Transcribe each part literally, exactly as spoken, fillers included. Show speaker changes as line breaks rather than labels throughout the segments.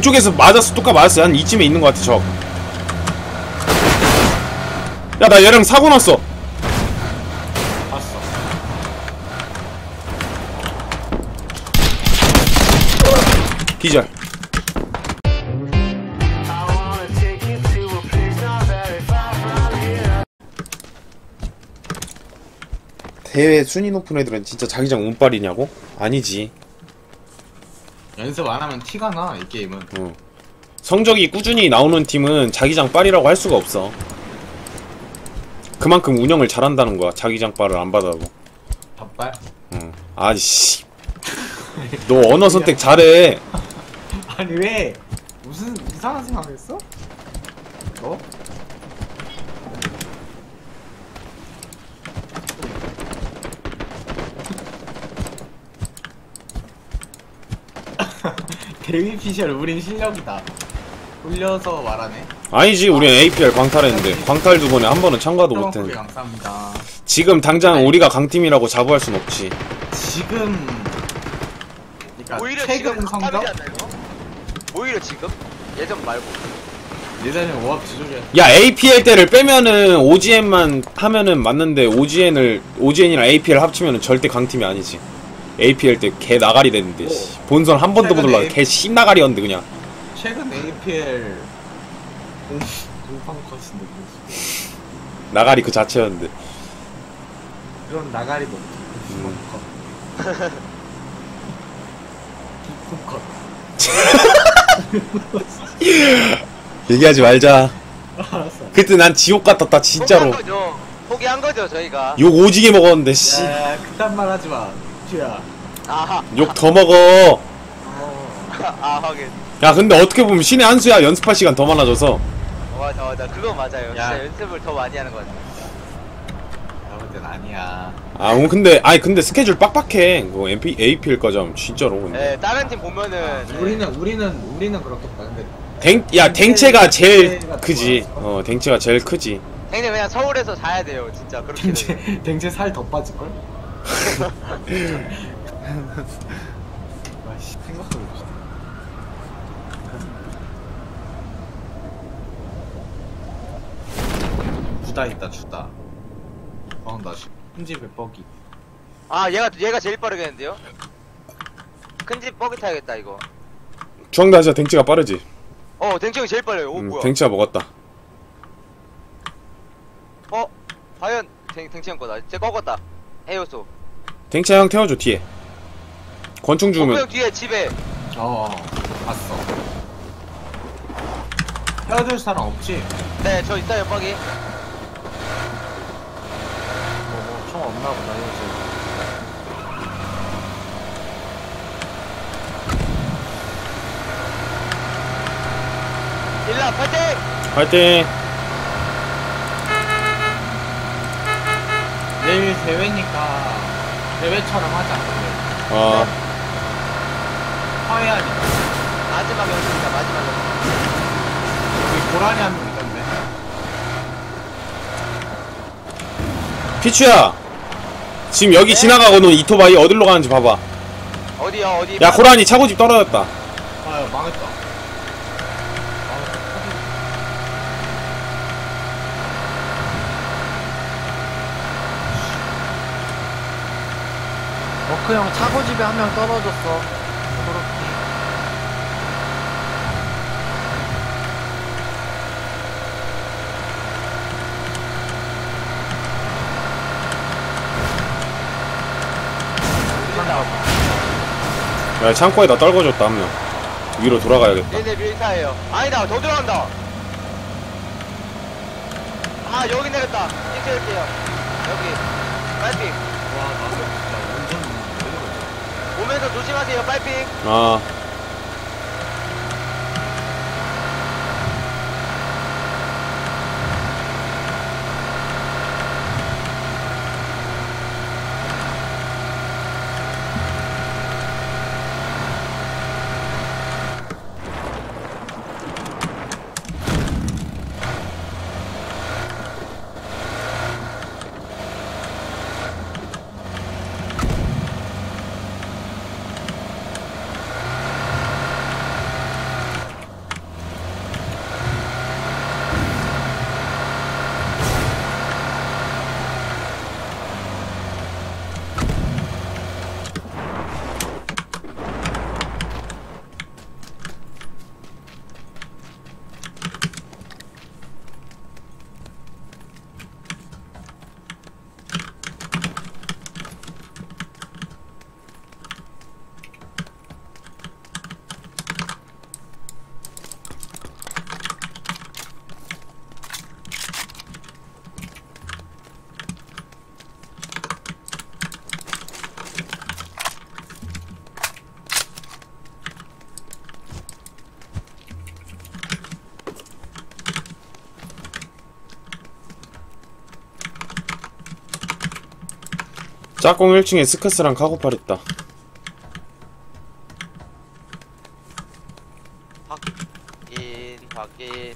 이쪽에서 맞았어. 똑같 맞았어. 한 이쯤에 있는 것 같아. 적. 야, 나 얘랑 사고 났어.
봤어.
기절. 대회 순위 높은 애들은 진짜 자기장 운빨이냐고? 아니지.
연습 안 하면 티가 나, 이 게임은.
어. 성적이 꾸준히 나오는 팀은 자기장 빨이라고 할 수가 없어. 그만큼 운영을 잘한다는 거야. 자기장 빨을 안 받아도.
밥발?
응. 아이씨. 너 언어 선택 잘해.
아니 왜? 무슨 이상한 생각했어? 너? 데뷔 피셜 우린 실력이다. 돌려서 말하네.
아니지, 우린 에이피엘 광탈했는데 광탈 두 번에 한 번은 참가도 못했는데.
감사합니다.
지금 당장 아니, 우리가 강팀이라고 자부할 순 없지.
지금 그러니까
오히려
최근
지금
성적?
강탑이지 않나 이거? 오히려 지금? 예전 말고.
예전에 오합 지졸이야.
야, 에이피엘 때를 빼면은 오지엔만 하면은 맞는데 오지엔을 오지엔이랑 에이피엘 합치면은 절대 강팀이 아니지. 에이피엘 때 개 나가리 됐는데 씨. 본선 한 번도 못 올라. 개 신나가리였는데 그냥.
최근 에이피엘 공판 컷인데 무슨
나가리 그 자체였는데.
그런 나가리도 공판 컷. 컷.
얘기하지 말자.
알았어.
그때 난 지옥 같았다 진짜로.
포기한 거죠. 포기한 거죠 저희가.
욕 오지게 먹었는데 씨.
야, 그딴 말 하지 마. 쥐야.
아하.
욕 더 먹어.
어.
아 하긴.
야, 근데 어떻게 보면 신의 한 수야. 연습할 시간 더 많아져서.
맞아 맞아. 그거 맞아요.
야.
진짜 연습을 더 많이 하는 거 같아.
나 볼 땐 아니야.
아, 어, 근데 아니 근데 스케줄 빡빡해. 그거 엠피 에이피엘까지 하면 진짜로. 근데.
네, 다른 팀 보면은
아, 우리는 우리는 우리는 그렇겠다. 근데
댕, 야, 댕체가 제일 크지. 어, 댕체가 제일 크지.
형님 그냥 서울에서 자야 돼요. 진짜 그렇게. 되면.
댕제 댕제 살 더 빠질 걸? 아씨 생각하고 있어. 주다 있다 주다. 어, 나 큰지 배뻐기.
아 얘가 얘가 제일 빠르겠는데요? 큰 집 버기 타야겠다 이거.
중앙다시아 댕체가 빠르지.
어 댕청이 제일 빨라요. 오
음,
뭐야?
댕체가 먹었다.
어 과연 댕 댕청 거다. 쟤 꺾었다. 해요소.
댕체 형 태워줘 뒤에. 권총
어,
죽으면.
형 뒤에 집에.
어, 봤어. 헤어질 사람 없지?
네 저 있어요 버기.
뭐, 뭐, 총 없나 보다, 헤어질.
일라 파이팅!
화이팅.
내일 대회니까, 대회처럼 하자, 근데.
어.
화해하니까.
마지막 연습이다 마지막 연습.
여기 고라니 한 명 있던데.
피추야. 지금 여기
네?
지나가고는 이토바이 어디로 가는지 봐봐.
어디요 어디?
야, 고라니 차고집 떨어졌다.
아유, 망했다.
워크 형 차고집에 한 명 떨어졌어. 그렇게.
야, 창고에다 떨궈줬다 한 명. 위로 돌아가야겠다.
얘네 밀타예요. 아니다 더 들어간다. 아 여기 내렸다. 찍을게요. 여기 빨핑.
와, 나도 진짜 완전 내려갔어.
오면서 조심하세요 빨핑.
아. 짝꿍 일 층에 스커스랑 카고팔 있다.
확인 확인.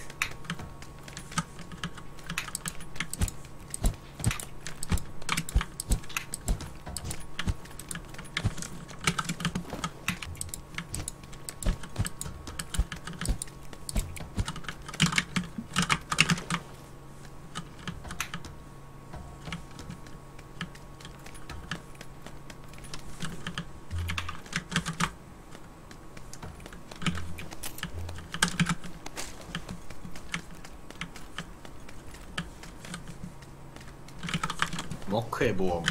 워크의 모험.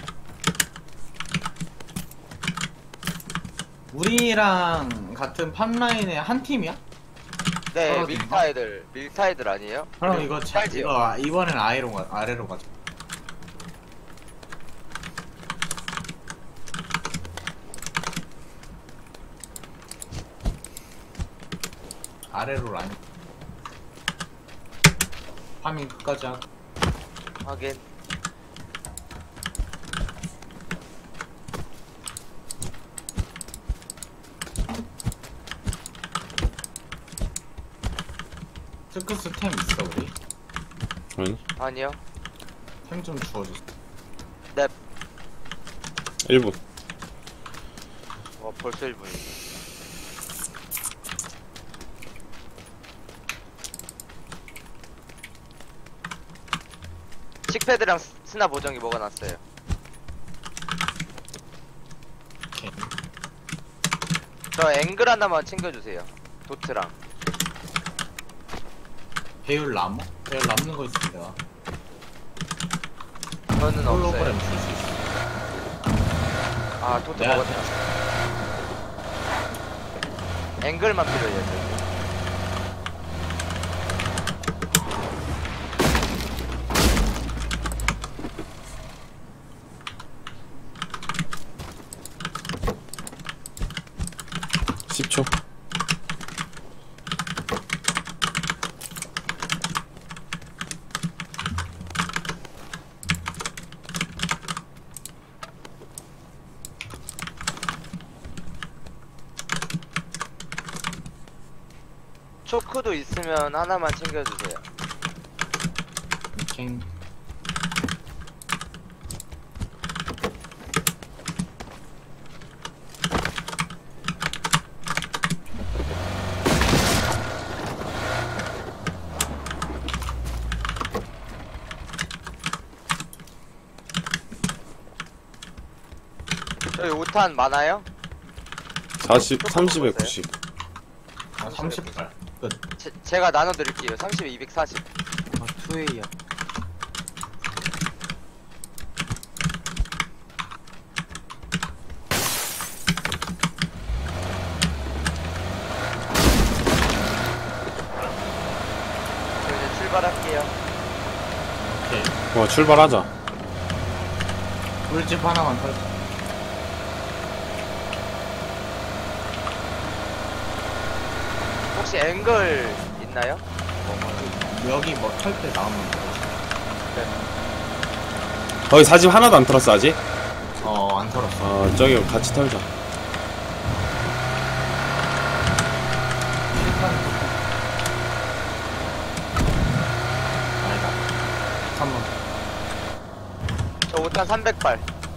우리랑 같은 팝라인의 한 팀이야?
네,
떨어진
밀타 애들 밀타 애들 아니에요?
그럼
그리고
이거 차,
찰지요.
이거 이번엔 아래로 가 아래로 가자. 아래로 라인. 파밍 끝까지 하고.
확인.
스크스 템 있어 우리?
아니
아니요.
템 좀 주워줘.
네.
일 분.
어 벌써 일 분이. 칙패드랑 스- 스나 보정기 먹어놨어요.
오케이.
저 앵글 하나만 챙겨주세요. 도트랑.
배율 남어? 배율 남는 거 있으면 내가
저는
홀로그램
없어요.
줄 수 있어.
아 도트
내가
먹었다. 앵글만 필요해요. 저희.
십 초.
초크도 있으면 하나만 챙겨주세요.
오케이.
저희 오 탄 많아요?
사십, 삼십에 구십.
아 삼십 발. 끝.
제, 제가 나눠드릴게요. 삼십에 이백사십.
아, 투웨이야.
저 이제 출발할게요.
오케이.
와 출발하자.
꿀집 하나만 털자.
혹시 앵글 있나요?
여기 뭐 털 때 나오면 돼.
거기 사집 하나도 안 털었어 아직?
어안 털었어.
어 저기 같이 털자.
아니다. 삼번.
저 오 탄 삼백 발.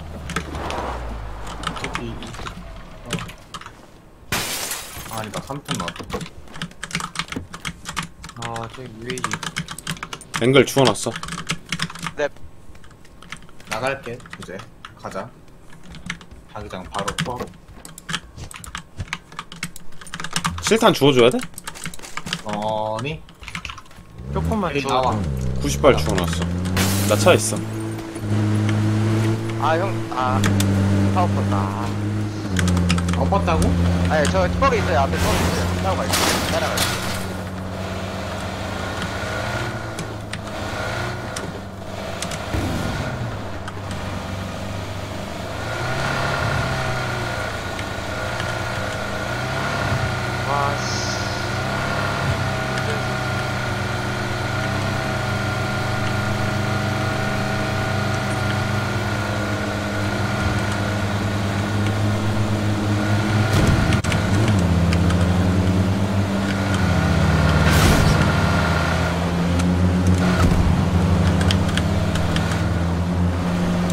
이, 이, 어. 아니다. 삼 톤 나왔다.
아, 저기 유에이.
앵글 주워놨어.
네.
나갈게. 이제 가자. 자기장 바로 포함.
실탄 주워줘야 돼?
어니?
조금만
여기
줘.
나와.
구십 발 주워놨어. 나 차에 있어.
아, 형, 아, 파워포다. 아,
엎었다고?
아니, 저 턱에 있어요. 앞에 턱에 있어요. 따라갈게요. 따라갈게요. 와, 씨.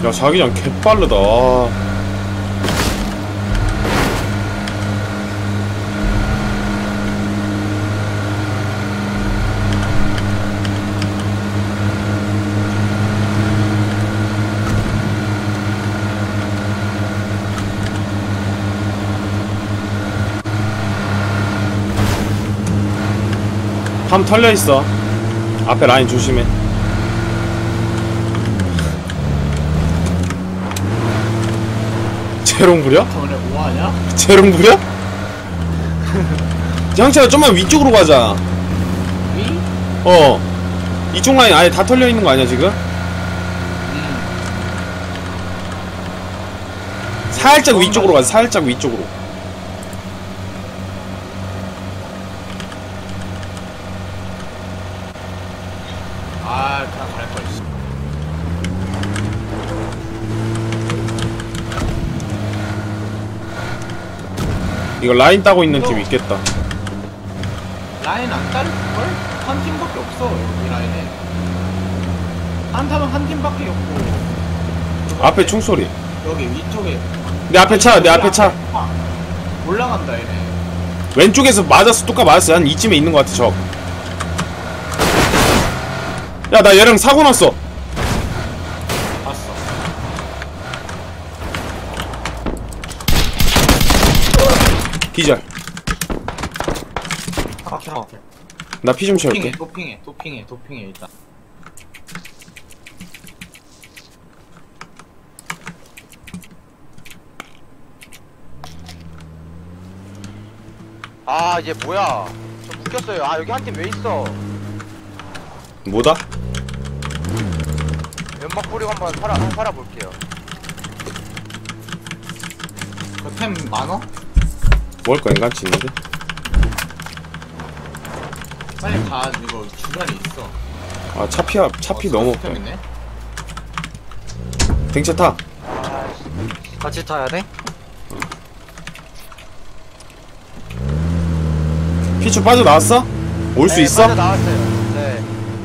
야 자기장 개빠르다. 함 털려있어. 앞에 라인 조심해. 재롱 부려?
저번에 뭐하냐?
재롱 부려? 형철아 좀만 위쪽으로 가자.
위?
어 이쪽 라인 아예 다 털려있는 거 아니야 지금?
음.
살짝 위쪽으로 가자. 살짝 위쪽으로.
아 그냥 갈걸.
이거 라인 따고 있는 팀 있겠다.
라인 안 따를걸? 한 팀밖에 없어 이 라인에. 한 타면 한 팀밖에 없고.
앞에 총소리.
여기 위쪽에.
내 앞에 차, 내 앞에 차.
아, 올라간다 얘네.
왼쪽에서 맞았어. 뚜까 맞았어. 한 이쯤에 있는 것 같아 적. 야 나 얘랑 사고 났어.
봤어.
기절.
아, 켜.
나 피 좀
도핑해,
채울게.
도핑해, 도핑해, 도핑해 일단.
아 얘 뭐야? 저 묶였어요. 아 여기 한 팀 왜 있어?
뭐다?
연막 뿌리고 한번 살아 살아볼게요.
그템 많어?
먹을 거 인간치 있는데?
빨리 가. 이거 주변에 있어.
아 차피 차피
어,
너무
템 있네.
댕차 타.
아씨.
같이 타야 돼?
피추 빠져 나왔어? 올 수
네,
있어?
빠져 나왔어요. 네.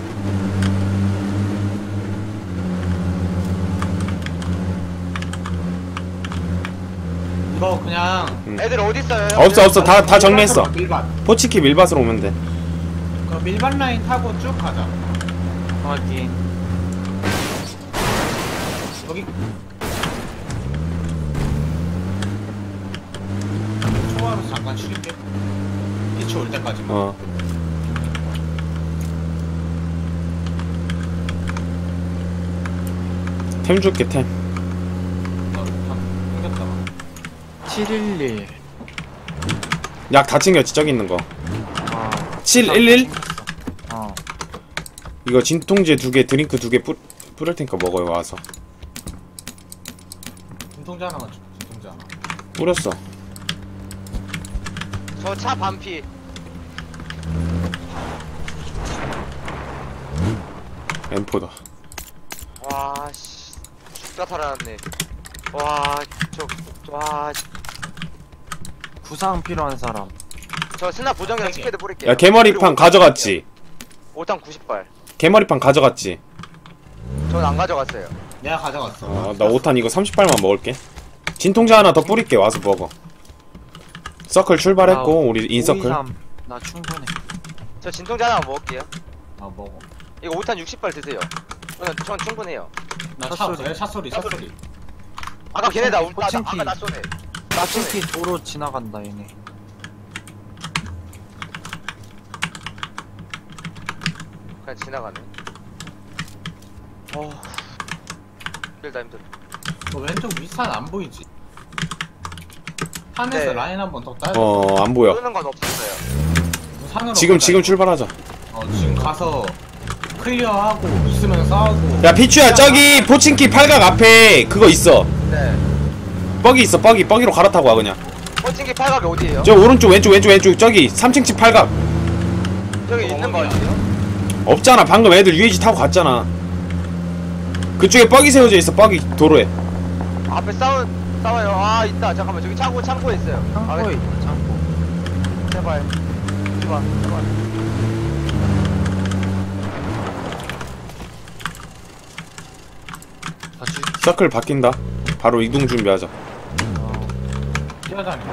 이거 그냥
애들 어디 있어요?
없어 없어 다 다 정리했어.
밀반.
포치키 밀밭으로 오면 돼.
그 밀반 라인 타고 쭉 가자.
확인.
여기 초과로 잠깐 쉴게. 피치 올 때까지만.
어. 템 줄게 템.
나 생겼다가.
칠일일.
약 다 챙겼지 저기 있는 거.
어.
칠일일?
어.
이거 진통제 두 개, 드링크 두 개 뿌릴 테니까 먹어요 와서.
진통제 하나만 줘. 진통제 하나.
뿌렸어.
저 차 반피.
엠포다.
와 씨. 죽다 살아났네. 와 저. 와. 씨.
구상 필요한 사람.
저 스나 보정이랑 스패드 뿌릴게요.
야 개머리판 가져갔지?
오탄 구십 발.
개머리판 가져갔지?
전 안 가져갔어요.
내가 가져갔어.
어, 나 오탄 이거 삼십 발만 먹을게. 진통제 하나 더 뿌릴게 와서 먹어. 서클 출발했고 우리 인서클.
오이삼. 나 충분해.
저 진통제 하나 먹을게요.
아 먹어.
이거 오탄 육십 발 드세요. 저는 전 충분해요.
나 차,
샷소리.
차, 차 소리, 차 소리.
아까 걔네 나, 나, 나
포칭키.
아까 나 쏘네. 나 쏘네.
특히 도로 지나간다 얘네.
그냥 지나가네. 어. 힘들다 힘들어.
너 왼쪽 윗산 안 보이지? 산에서
네.
라인 한 번 더 따야 돼.
어 안 보여.
쏘는 건 없었어요.
산으로
지금
가자,
지금
이거.
출발하자.
어 지금 가서 클리어하고 있으면 싸우고.
야 피추야 저기 포칭키 팔각 앞에 그거 있어.
네.
뻐기 있어 뻐기 뻐기로 갈아타고 와 그냥.
펀칭기 팔각이 어디에요?
저 오른쪽 왼쪽 왼쪽 왼쪽 저기 삼 층 집 팔각.
저기 있는 거
어디야?
같아요?
없잖아 방금 애들 유에이지 타고 갔잖아. 그쪽에 뻐기 세워져 있어 뻐기 도로에.
앞에 싸운 싸워요. 아 있다. 잠깐만 저기 창고 창고에 있어요.
창고에 있다 창고.
제발. 오지마 제발.
다 줄게.
서클 바뀐다. 바로 이동 준비하자.
뛰어다니.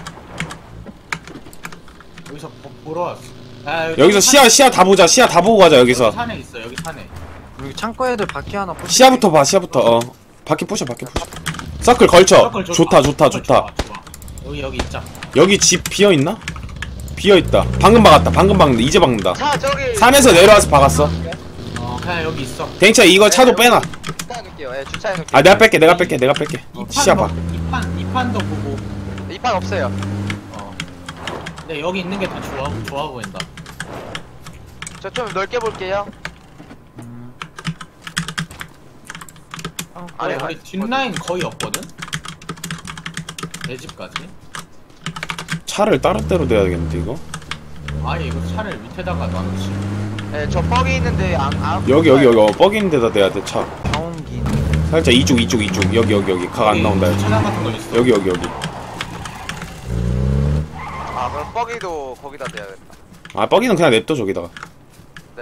여기서 보, 보러 왔어. 아,
여기서 시야 시야 다 보자. 시야 다 보고 가자.
여기
여기서
산에 있어. 여기 산에.
여기 창고 애들 바퀴 하나 부시.
시야부터 봐. 시야부터. 어. 바퀴 부셔. 바퀴 부셔. 서클 걸쳐.
서클
좋다 좋다
서클
좋다.
좋아, 좋아. 여기 여기 있자.
여기 집 비어 있나? 비어 있다. 방금 박았다. 방금 박는다. 이제 박는다.
차 저기
산에서 내려와서 박았어.
어 그냥 여기 있어.
댕차 이거 차도 빼놔.
주차해 놓을게요. 예, 주차해 놓을게요.
아 내가 뺄게. 내가 뺄게. 내가 뺄게. 시야 봐.
이판 이판도 보고.
이 판 없어요.
어. 근데 여기 있는 게 더 좋아 좋아 보인다.
저 좀 넓게 볼게요.
아니
아니,
우리
아니,
뒷라인 거의 없거든. 내 집까지.
차를 다른 데로 대야겠는데 이거?
아니 이거 차를 밑에다가 놔놓지.
예, 저 뻑이 있는데 안 안.
여기 여기 여기 어, 뻑인 데다 대야 돼 차.
나온긴.
살짝 이쪽 이쪽 이쪽 여기 여기 여기 각 안 나온다.
주차장 같은 거 있어.
여기 여기 여기.
아 그럼 뻑이도 거기다 대야겠다.
아 뻑이는 그냥 냅둬 저기다가.
네.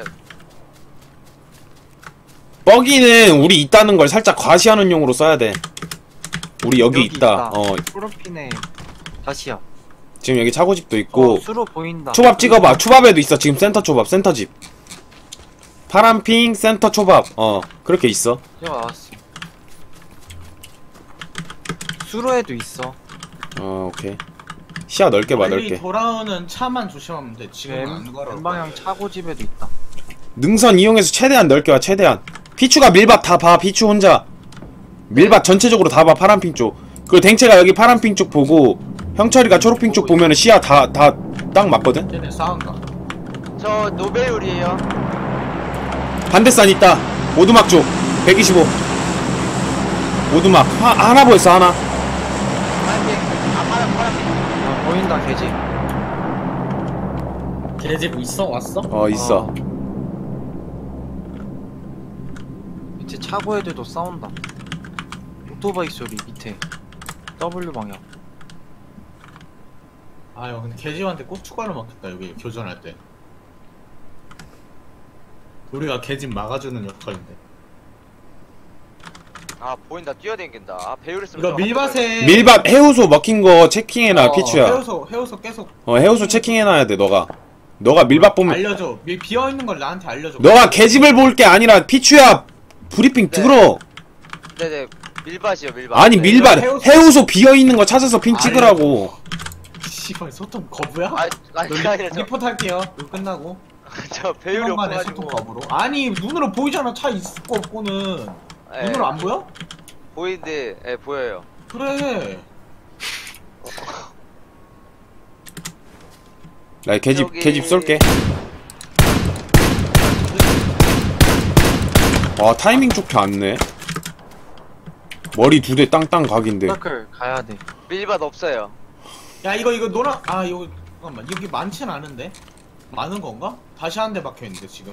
뻑이는 우리 있다는 걸 살짝 과시하는 용으로 써야 돼. 우리 여기,
여기
있다.
있다.
어
프로핀에 다시야.
지금 여기 차고집도 있고.
어, 수로 보인다.
초밥 찍어봐. 초밥에도 있어. 지금 센터 초밥 센터 집. 파란핑 센터 초밥. 어 그렇게 있어.
야 왔어. 수로에도 있어.
어 오케이. 시야 넓게 봐
멀리
넓게.
돌아오는 차만 조심하면 돼. 지금 안 걸어.
왼방향 차고집에도 있다.
능선 이용해서 최대한 넓게 와 최대한. 피추가 밀밭 다 봐. 피추 혼자 밀밭 전체적으로 다 봐. 파란핑 쪽. 그리고 댕채가 여기 파란핑 쪽 보고 형철이가 초록핑 쪽 보면은 시야 다 다 딱 맞거든.
쟤네 싸운다.
저 노벨율이에요.
반대산 있다. 오두막 쪽 백이십오. 오두막 하, 하나 보였어 하나.
파란핑. 아 파란 파란핑.
어, 보인다 개집.
걔집 있어 왔어?
어 있어.
어. 밑에 차고 애들도 싸운다. 오토바이 소리 밑에. W 방향.
아유 근데 걔집한테 꼭 추가로 먹겠다 여기 교전할 때. 우리가 걔집 막아주는 역할인데.
아 보인다. 뛰어댕긴다. 아 배율 쓰면.
이거 밀밭에
밀밭 해우소 먹힌 거 체킹해놔.
어,
피추야.
해우소 해우소 계속
어 해우소 체킹해놔야 돼 너가. 너가 밀밭 보면
알려줘. 밀 비어 있는 걸 나한테 알려줘.
너가 개집을 볼 게 아니라 피추야. 브리핑
네.
들어.
네네. 밀밭이요 밀밭.
아니
네.
밀밭
해우소-
해우소 비어 있는 거 찾아서 핑
아니.
찍으라고.
씨발 소통 거부야?
아 아니 그게 아니라 저,
리포트 할게요. 이거 끝나고.
저 배율이
배율만에 소통
없어가지고.
거부로. 아니 눈으로 보이잖아. 차 있고 없고는.
예,
눈으로 안 보여?
보이는데 예 보여요.
그래.
나 개집
여기-
개집 쏠게. 와 타이밍 좋게 안네. 머리 두 대 땅땅 각인데.
서클 가야 돼.
밀밭 없어요.
야 이거 이거 노란 아 이거 잠깐만 여기 많진 않은데 많은 건가? 다시 한 대 박혀 있는데 지금.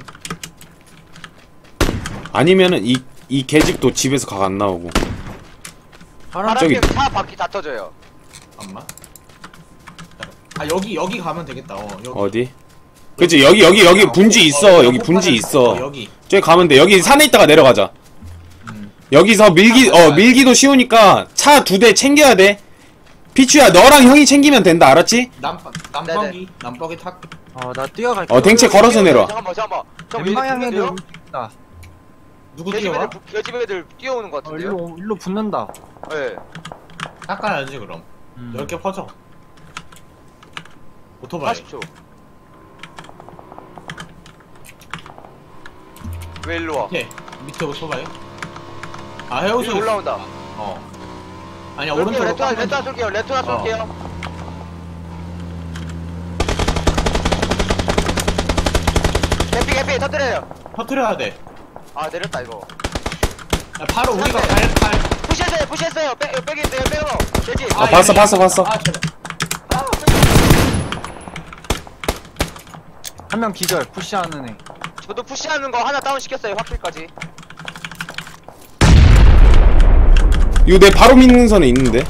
아니면은 이 이 개집도 집에서 각 안 나오고.
파란
저기-
파란핑 차 바퀴 다 터져요.
잠깐만. 아 여기 여기 가면 되겠다. 어 여기.
어디? 그치 여기 여기 여기 분지 있어. 여기 분지 있어.
여기.
저기 가면 돼. 여기 산에 있다가 내려가자.
음.
여기서 밀기 어 밀기도 쉬우니까 차 두 대 챙겨야 돼. 피추야 너랑 형이 챙기면 된다. 알았지?
남 남버기 남버기 탁.
어나 뛰어갈게.
어 댕채 걸어서 내려와.
잠깐만 잠깐만. 저
왼방향에도
왼방향에도
있다.
누구
개집
뛰어와?
애들 개집 애들 뛰어오는 것
어,
같은데요?
일로 일로 붙는다.
예.
닦아야지 그럼.
음.
열 개 퍼져. 오토바이.
사십 초. 왜 일로 와?
밑에 밑에 오토바이. 아 해우소
위로 올라온다.
어. 아니야
쏠게요.
오른쪽으로.
레토나
깎는
레토나
중.
쏠게요. 레토나
어.
쏠게요. 개피 개피 터뜨려요.
터트려야 돼.
아 내렸다 이거.
야, 바로 우리가
네.
갈 갈.
푸시했어요 푸시했어요. 빼 빼기 있어요 빼고. 돼지.
아, 봤어,
얘네.
봤어, 봤어.
아 제발.
한 명 기절 푸시하는 애.
저도 푸시하는 거 하나 다운 시켰어요. 확실까지.
이거 내 바로 믿는 선에 있는데.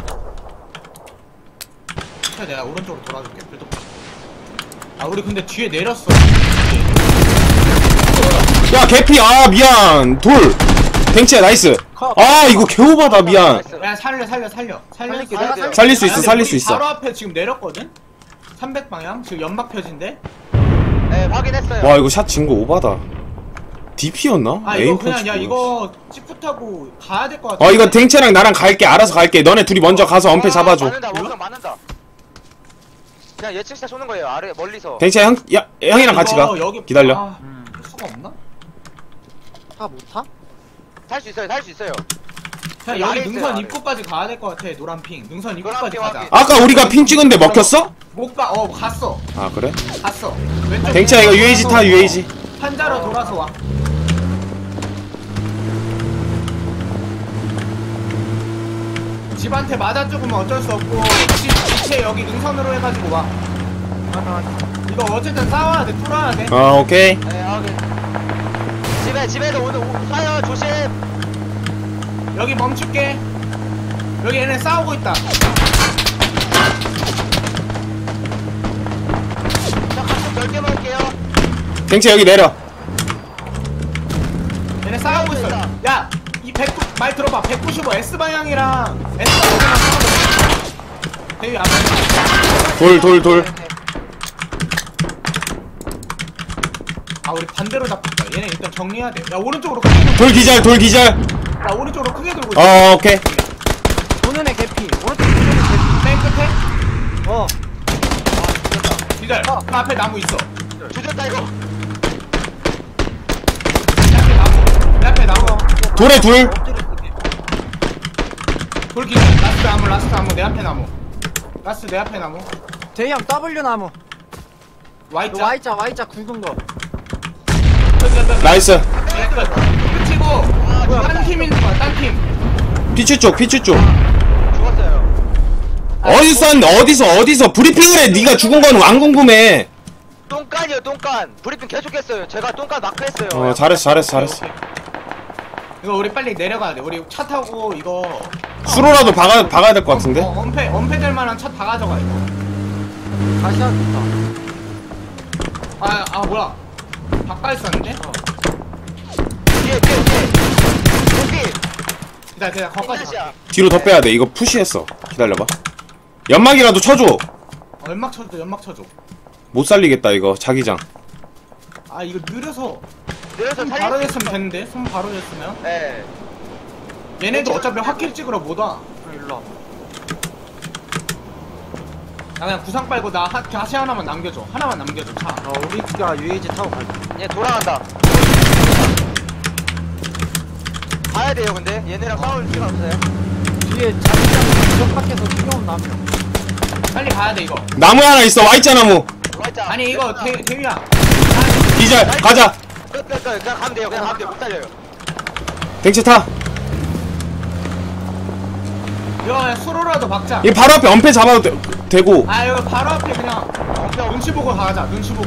자, 내가 오른쪽으로 돌아줄게. 필드. 아 우리 근데 뒤에 내렸어.
야 개피 아 미안 돌. 댕채 나이스. 아 이거 개오바다 미안.
나이스.
야 살려 살려 살려 살려
살릴게,
살려,
살릴게.
살릴 수 있어,
근데
살릴
우리
수 있어.
바로 앞에 지금 내렸거든? 삼백 방향 지금 연막 펴진데?
네 확인했어요.
와 이거 샷 진 거 오바다. 디피였나?
아 이거 그냥 야 이거 지프 타고 가야 될 것 같아.
어 이거 댕채랑 나랑 갈게. 알아서 갈게. 너네 둘이 먼저 가서 엄폐 잡아줘.
맞는다 원성 맞는다. 그냥 예측샷 쏘는 거예요 아래 멀리서.
댕채 형, 야, 형이랑 같이 가.
여기
기다려.
아,
음.
수가 없나?
타 못 타?
살 수 있어요 살 수 있어요.
그냥
여기
여기
아래 있어요,
능선
아래.
입구까지 가야 될 것 같아. 노란 핑 능선
노란
입구까지
핑
가자.
확인.
아까 우리가 핑 찍은데 먹혔어?
못가 어 갔어
아 그래?
갔어. 왼쪽
댕채야 이거 유에이지 타 유에이지.
판자로 돌아서 와. 집한테 맞아 죽으면 어쩔 수 없고 집 지체 여기 능선으로 해가지고 와.
맞아 맞아.
이거 어쨌든 싸워야 돼. 뚫어야 돼.
아 오케이.
네 확인. 집에 집에도 오늘 오- 쏴요 조심.
여기 멈출게. 여기 얘네 싸우고 있다.
저 각좀 넓게 먹을게요.
댕채 여기 내려.
얘네 싸우고 있어. 야, 이 백구 말 들어봐. 백구십오 S 방향이랑 S 방향이랑 싸우고 있어. 대위 앞에.
돌 돌 돌.
아 우리 반대로 잡혔다. 얘네 일단 정리해야 돼. 야 오른쪽으로 크게 돌고.
돌 기절 돌 기절.
야 오른쪽으로 크게 돌고. 있어.
어 오케이.
도는 애 개피. 오른쪽 도는 애
맨 끝에.
개피. 어.
기절. 그 앞에 나무 있어.
조졌다 이거.
내 앞에 나무. 내 앞에 나무.
돌에 둘.
엎드려 있을게.
돌 기절. 라스트 나무. 라스트 나무. 내 앞에 나무. 라스트 내 앞에 나무.
대형 W 나무.
Y자.
너 Y자 Y자 굵은 거.
나이스.
네, 끝. 끝이고.
뭐야,
딴 팀 있는 거야. 딴 팀.
피추 쪽 피추 쪽.
죽었어요.
어디서 쐈는데 어디서 어디서 브리핑을 해. 네가 죽은 건 안 궁금해.
똥간이요 똥간. 브리핑 계속했어요. 제가 똥간 마크했어요.
어 잘했어 잘했어 잘했어.
이거 우리 빨리 내려가야 돼. 우리 차 타고 이거.
수로라도 박아 박아야 될 것 같은데.
어, 엄폐 엄폐 될 만한 차 다 가져가 이거.
다시 하겠다.
아, 아 뭐야? 바깥에 있었는데? 어.
뒤에 뒤에 뒤에. 여기.
기다려, 기다려, 거기까지 가.
샷이야.
뒤로 더 빼야 돼. 이거 푸시했어. 기다려봐. 연막이라도 쳐줘.
어, 연막 쳐줘, 연막 쳐줘.
못 살리겠다 이거 자기장.
아, 이거 느려서
내려서
손
살릴
바로
수
됐으면 됐는데? 손 바로 됐으면?
네.
얘네도 어차피 확킬 찍으러 못 와.
일로 와.
나 그냥 구상 빨고 나 하, 다시 하나만 남겨줘. 하나만 남겨줘, 차.
어 우리가 유에이지 타고 갈게.
얘 돌아간다. 가야 돼요 근데 얘네랑 싸울 필요 없어요.
뒤에 자기장 저 밖에서 뛰어온 나무.
빨리 가야 돼, 이거.
나무 하나 있어. Y자 나무.
맞자.
아니, 이거 대, 대위야.
기절. 가자.
끝끝끝 그냥 가면 돼요. 그냥 가면 돼요. 못 살려요.
댕채 타.
이거 그냥 수로라도 박자.
이 바로 앞에 엄폐 잡아도 되, 되고.
아, 이거 바로 앞에 그냥 눈치 보고 가자, 눈치 보고.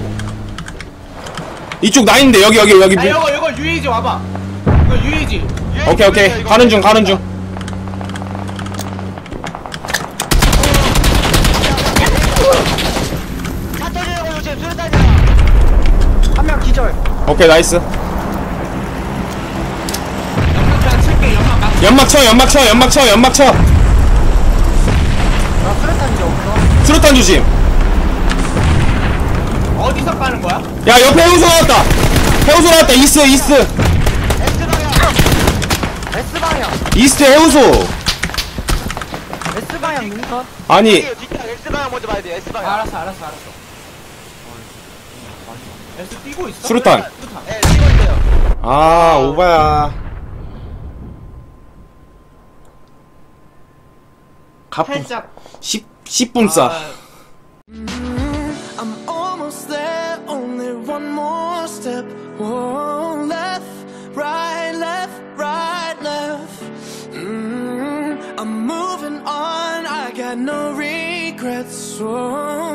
이쪽 나인데 여기 여기 여기.
야,
미...
이거, 이거 유이지 와봐. 이거 유이지.
오케이 오케이. 가는 중 가는 중.
차 터지려고 요즘 수류탄이야.
한 명 기절.
오케이 나이스.
연막 그냥 칠게, 연막 막.
연막 쳐 연막 쳐 연막 쳐 연막 쳐.
나 수류탄 이제 없어.
수류탄 조심.
어디서 까는 거야?
야 옆에 해우소 나왔다. 해우소 나왔다. 이스트 이스트
X방향.
S 방향.
이스트 해우소.
S 방향 능선.
아니
뒤에 뒤에 X방향 먼저 봐야 돼요.
아,
X방향.
알았어, 알았어, 알았어. S 뛰고 있어?
수류탄.
수류탄.
네, 뛰고 있어요.
아 오바야. 가품
살짝.
십 십 분 싸.
아,
I'm almost there, only one more step. Whoa, left, right, left, right, left. Mm, I'm moving on, I got no regrets. Whoa.